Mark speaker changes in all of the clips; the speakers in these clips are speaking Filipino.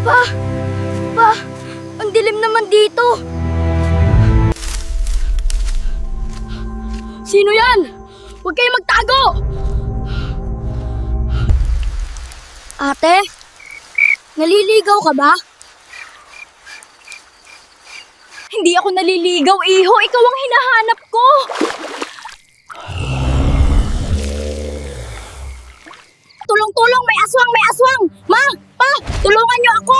Speaker 1: Pa! Pa! Ang dilim naman dito! Sino yan? Huwag kayong magtago! Ate? Naliligaw ka ba?
Speaker 2: Hindi ako naliligaw, Iho. Ikaw ang hinahanap ko.
Speaker 1: Tulong-tulong! May aswang! May aswang! Ma! Pa! Tulungan niyo ako!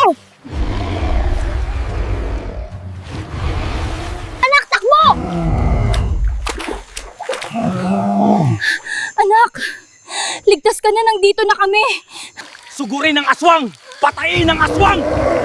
Speaker 1: Anak, takbo!
Speaker 2: Anak, ligtas ka na, nandito na kami.
Speaker 3: Sugurin ng aswang! Patayin ng aswang!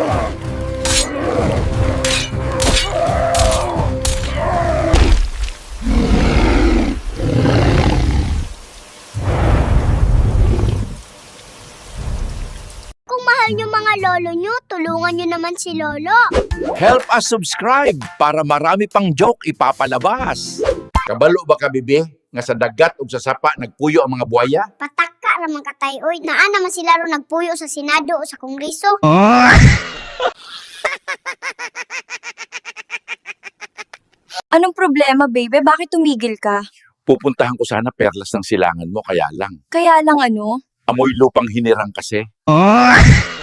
Speaker 1: Kung mahal niyo mga lolo niyo, tulungan niyo naman si Lolo.
Speaker 4: Help us subscribe para marami pang joke ipapalabas. Kabalo ba ka, bibi? Nga sa dagat o sa sapa nagpuyo ang mga buhaya?
Speaker 1: Pataka ramang katay, oy. Naa naman sila ro nagpuyo sa Senado o sa Kongreso.
Speaker 2: Anong problema, baby? Bakit tumigil ka?
Speaker 4: Pupuntahan ko sana perlas ng silangan mo, kaya lang.
Speaker 2: Kaya lang ano?
Speaker 4: Amoy lupang hinirang kasi.